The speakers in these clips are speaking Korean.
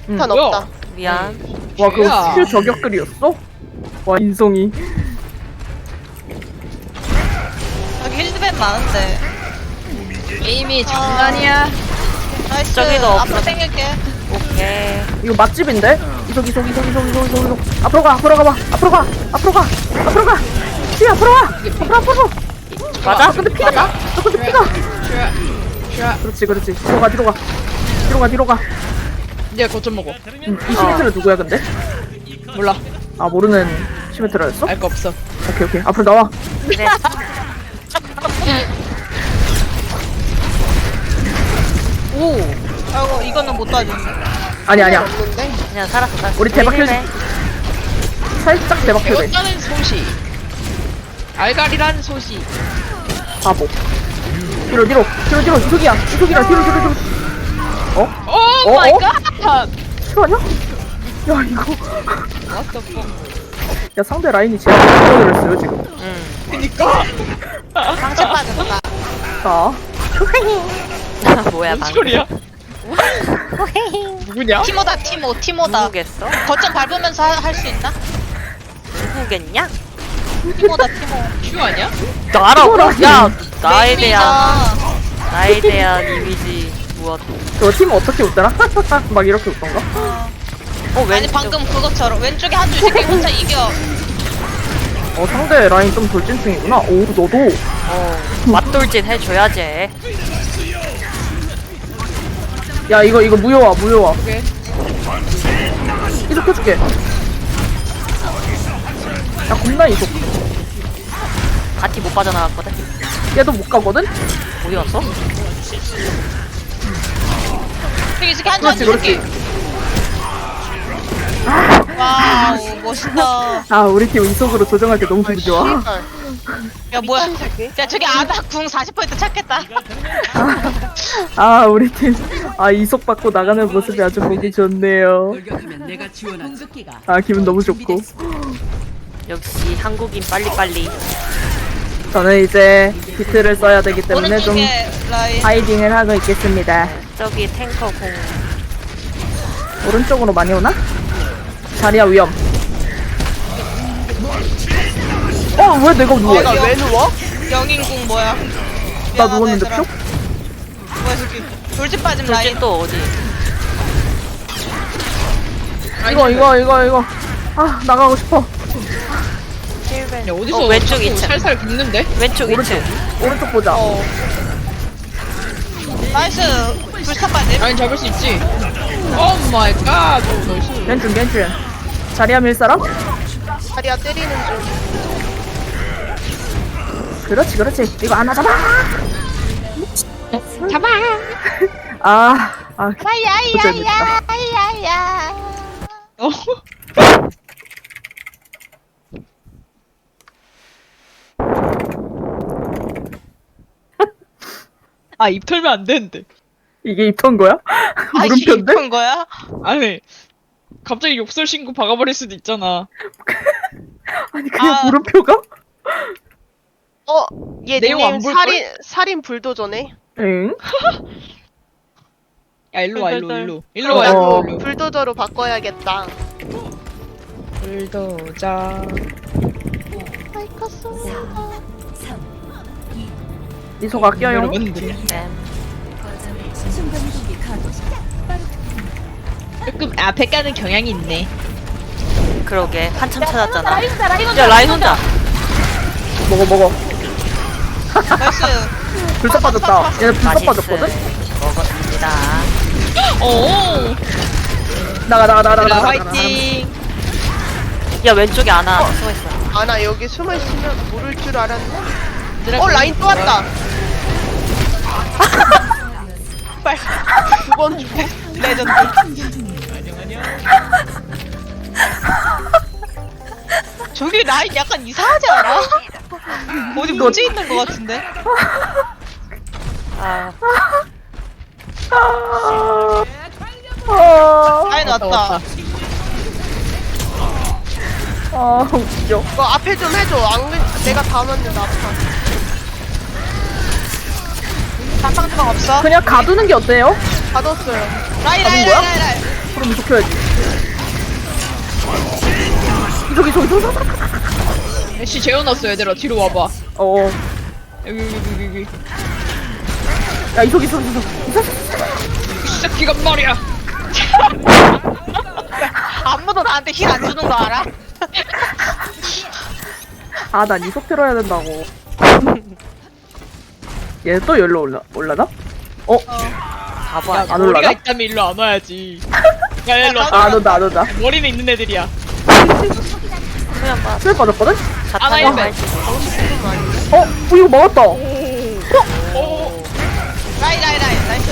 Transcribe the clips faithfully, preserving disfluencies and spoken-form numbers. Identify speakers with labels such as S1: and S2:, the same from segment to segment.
S1: 응.
S2: 턴
S3: 뭐야?
S2: 없다.
S1: 미안.
S3: 야.
S4: 와 그거 킬 저격글이었어? 와 인성이.
S5: 여기 힐드밴 많은데.
S3: 게임이 장난이야.
S5: 나이스.
S1: 저기도
S5: 앞으로
S1: 없어.
S5: 당길게.
S1: 오케이.
S4: 이거 맛집인데? 이속 이속 이속 이속 이속 이속 이속 앞으로 가 앞으로 가봐 앞으로 가 앞으로 가 앞으로 가 피 앞으로 와 앞으로 앞으로.
S1: 맞아?
S4: 아 근데 피가 나. 너 근데 피가. 그렇지 그렇지 뒤로 가 뒤로 가 뒤로 가 뒤로 가.
S3: 이제 거점 먹어.
S4: 음, 이 시메트를 누구야 근데?
S3: 몰라.
S4: 아 모르는 시메트라였어?
S3: 알 거 없어.
S4: 오케이 오케이 앞으로 나와.
S1: 그래.
S5: 오. 아이고 이거는 못 따지는데.
S4: 아니 아니야
S2: 없는데?
S1: 그냥 살았어, 살았어.
S4: 우리 대박
S1: 힐맨.
S4: 살짝 대박 켜대.
S3: 배웠다는 소시. 알갈이란 소시.
S4: 바보. 뒤로 뒤로 뒤로 뒤로 이속이야 이속이야 뒤로 뒤로 뒤로. 어?
S3: 오
S4: 어,
S3: 마이
S4: 어?
S3: 갓.
S4: 실화냐? 야 이거
S3: What the fuck.
S4: 야 상대 라인이 제일 잘들었어요 지금.
S1: 응.
S3: 그니까.
S5: 상처받았다.
S4: 자
S1: 뭐야,
S3: 뭔
S1: 방금.
S3: 소리야? 누구냐?
S5: 티모다 티모 티모다.
S1: 누구겠어?
S5: 거점 밟으면서 할 수 있나?
S1: 누구겠냐?
S5: 티모다 티모.
S3: 큐 아니야?
S1: 나라고? 야, 나에
S5: 메인이다.
S1: 대한, 나에 대한 이미지 무엇?
S4: 저 팀 어떻게 웃더라? 막 이렇게 웃던가?
S1: 어, 왼쪽.
S5: 아니 방금 그것처럼 왼쪽에 한 줄 새끼 혼자 이겨.
S4: 어 상대 라인 좀 돌진 중이구나. 오 너도.
S1: 어, 맞돌진 해줘야지.
S4: 야 이거 이거 무효화 무효화.
S3: 오케이.
S4: 이속 해줄게. 야 겁나 이속.
S1: 바티 못 빠져나갔거든?
S4: 얘도 못 가거든?
S1: 어디 갔어?
S5: 저기 저기 한줄
S4: 그렇지
S5: 한줄 새끼.
S4: 그렇지.
S5: 와우 멋있다.
S4: 아 우리 팀 이속으로 조정할 때 너무 기분 좋아.
S2: 씨발.
S5: 야 뭐야?
S2: 미친 새끼.
S5: 야 저기 아나 궁 사십 퍼센트 찾겠다.
S4: 아 우리 팀 아 이속 받고 나가는 모습이 아주 보기 좋네요.
S6: 돌격하면 내가 지원한 공격기가
S4: 아 기분 너무 좋고.
S1: 역시 한국인 빨리빨리.
S4: 저는 이제 비트를 써야 되기 때문에 좀
S5: 오른쪽에 라인.
S4: 하이딩을 하고 있겠습니다.
S1: 저기 탱커 공.
S4: 오른쪽으로 많이 오나? 자리야 위험. 어 왜 내가 누워?
S2: 내가 왜 누워?
S5: 영인궁 뭐야?
S4: 나
S5: 미안하다,
S4: 누웠는데
S5: 얘들아.
S4: 표?
S5: 뭐야 저기 돌진 빠짐 라인.
S1: 돌진 또 어디?
S4: 이거 이거 이거 이거 아 나가고 싶어.
S3: 야 어디서
S1: 어, 왼쪽
S3: 자꾸
S1: 이 층.
S3: 살살 긁는데?
S1: 왼쪽 이 층.
S4: 오른쪽 보자.
S5: 어. 나이스 불사 빠짐.
S3: 라인 잡을 수 있지. 오 마이 갓. 오, 나이스.
S4: 왼쪽 왼쪽. 자리야 밀 사람?
S2: 다리야 때리는 중.
S4: 그렇지 그렇지. 이거 하나 잡아.
S3: 잡아.
S4: 아, 아,
S5: 야야야야 야야.
S3: 어. 아, 입 털면 안 되는데.
S4: 이게 입턴 거야?
S5: 아 이게
S4: 물음표인데?
S5: 이쁜 거야?
S3: 아니, 갑자기 욕설 신고 박아버릴 수도 있잖아.
S4: 아니 그냥
S5: 아.
S4: 물음표가?
S2: 어? 얘
S3: 내용 안
S2: 닉네임
S3: 볼걸?
S2: 살인 살인 불도저네.
S4: 응?
S3: 야, 일로 와, 일로,
S5: 덜덜덜.
S3: 일로. 일로 와,
S4: 어.
S3: 일로, 일로.
S2: 불도저로 바꿔야겠다.
S3: 불도자.
S4: 이속 아껴요.
S3: 여러분들.
S1: 네.
S3: 조금 앞에 가는 경향이 있네.
S1: 그러게. 한참 찾았잖아. 야, 라인 혼자.
S4: 먹어 먹어.
S5: 나이스.
S4: 불사 빠졌다. 얘네 불사
S1: 맛있어.
S4: 빠졌거든?
S1: 먹었습니다.
S3: 오!
S4: 나가 나가 나가 나가.
S3: 라
S4: 나가,
S3: 화이팅!
S1: 야, 왼쪽에 아나 숨어있어.
S2: 아 나 여기 숨어 있으면 모를 줄 알았네.
S3: 얘들아,
S2: 어 라인 또 왔다. 빨. 두번 주고.
S5: 레전드. 저기 라인 약간 이상하지 않아? 어디 문제 있는 것 같은데?
S1: 아,
S4: 아,
S5: 라인
S3: 왔다,
S5: 왔다.
S3: 왔다.
S4: 아 웃겨.
S2: 너 앞에 좀 해줘. 안 그래 내가 다 맞는다 아파.
S5: 방방 주방 없어?
S4: 그냥 가두는 게 어때요?
S2: 받았어요.
S5: 라인 라인
S4: 거야?
S5: 라인 라인 라인.
S4: 그럼 이속 지켜야지. 저기 저기 저기 저기.
S3: 애쉬 재워놨어 얘들아 뒤로 와봐.
S4: 어.
S3: 여기 여기 여기 여기.
S4: 야 이속 이속 이속.
S3: 이 새끼가 말이야.
S5: 아무도 나한테 힐 안 주는 거 알아?
S4: 아난 이속 틀어야 된다고. 얘 또 열로 올라 올라나? 어?
S1: 바보
S3: 야,
S1: 아니야?
S4: 안
S3: 머리가
S4: 올라가?
S3: 있다면 일로 안 와야지. 야 일로 와.
S4: 아, 안 온다 안 온다.
S3: 머리는 있는 애들이야.
S1: 그냥 막
S4: 수에 빠졌거든?
S3: 아나
S1: 자탄
S3: 일배.
S1: 할지.
S4: 어? 어 이거 막았다.
S5: 라이 라이 라이 나이스.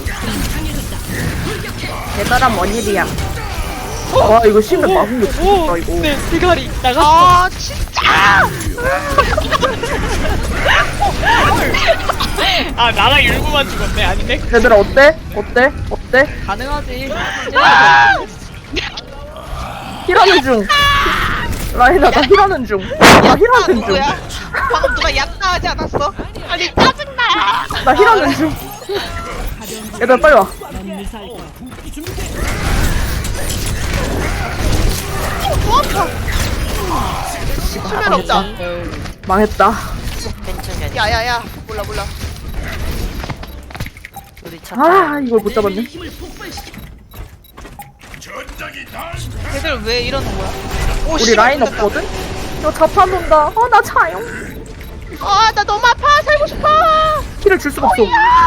S4: 대단한 뭔 일이야. 와 이거 심해 막은 게 좋다 이거.
S3: 네 대가리 나갔어.
S2: 아 진짜.
S3: 아 나랑 일부만 죽었네. 아니네.
S4: 얘들아 어때? 어때? 어때?
S3: 가능하지.
S4: 힐하는 중. 라인아 나 힐하는 중. 나 힐하는 중.
S5: 누구야? 방금 누가 약나 하지 않았어? 아니 짜증나.
S4: 나 힐하는 중. 얘들아 빨리 와.
S2: 수면 없다.
S4: 망했다.
S1: 괜찮냐?
S2: 야야야 몰라 몰라.
S1: 우리 자탄.
S4: 아 이걸 못 잡았네.
S5: 걔들 왜 이러는 거야? 오,
S4: 우리
S5: 씨발,
S4: 라인
S5: 못했다.
S4: 없거든? 저 자판 온다. 어 나 차요.
S2: 아나 너무 아파 살고 싶어.
S4: 힐을 줄 수가 없어.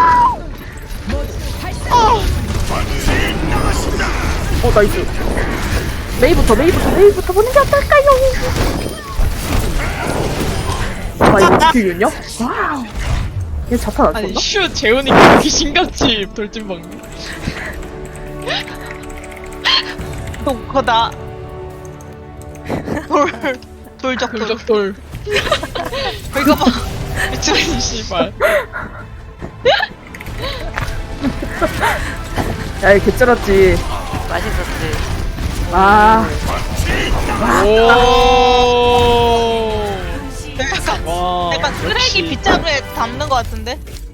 S4: 어 나이스. 메이부터 메이부터 메이부터 보는 게 어떨까요? 아 이거 스킬이었냐? 와우. 얘 자판 안
S3: 아니
S4: 썼나?
S3: 슛 재우니까 이렇게 신같이 돌진방.
S5: 거다. 돌 돌적 돌.
S3: 돌적 돌.
S5: 이거 봐.
S3: 미친 씨발.
S4: 야얘 개쩔었지.
S1: 맛있었지.
S4: 아
S3: 오.
S5: 약간
S3: 와.
S5: 약간 쓰레기 빗자루에 담는 거 같은데?